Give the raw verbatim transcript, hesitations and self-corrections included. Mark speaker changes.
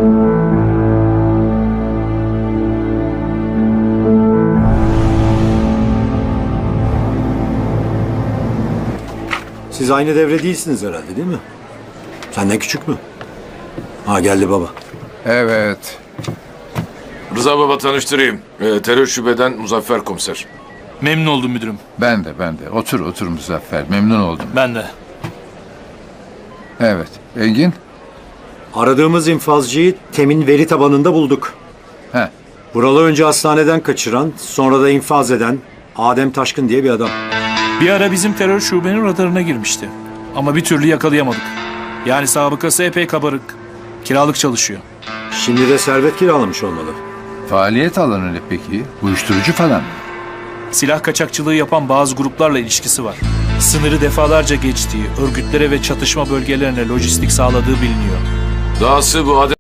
Speaker 1: Siz aynı devre değilsiniz herhalde, değil mi? Senden küçük mü? Ha, geldi baba.
Speaker 2: Evet.
Speaker 3: Rıza baba tanıştırayım. Ee, terör şubeden Muzaffer komiser.
Speaker 4: Memnun oldum müdürüm.
Speaker 2: Ben de ben de. Otur otur Muzaffer. Memnun oldum.
Speaker 4: Ben de.
Speaker 2: Evet. Engin?
Speaker 1: Aradığımız infazcıyı Temin veri tabanında bulduk.
Speaker 2: He.
Speaker 1: Buralı önce hastaneden kaçıran, sonra da infaz eden Adem Taşkın diye bir adam.
Speaker 4: Bir ara bizim terör şubenin radarına girmişti. Ama bir türlü yakalayamadık. Yani sabıkası epey kabarık. Kiralık çalışıyor.
Speaker 1: Şimdi de servet kiralamış olmalı.
Speaker 2: Faaliyet alanı ne peki? Uyuşturucu falan mı?
Speaker 4: Silah kaçakçılığı yapan bazı gruplarla ilişkisi var. Sınırı defalarca geçtiği, örgütlere ve çatışma bölgelerine lojistik sağladığı biliniyor.
Speaker 3: Dahası bu Adem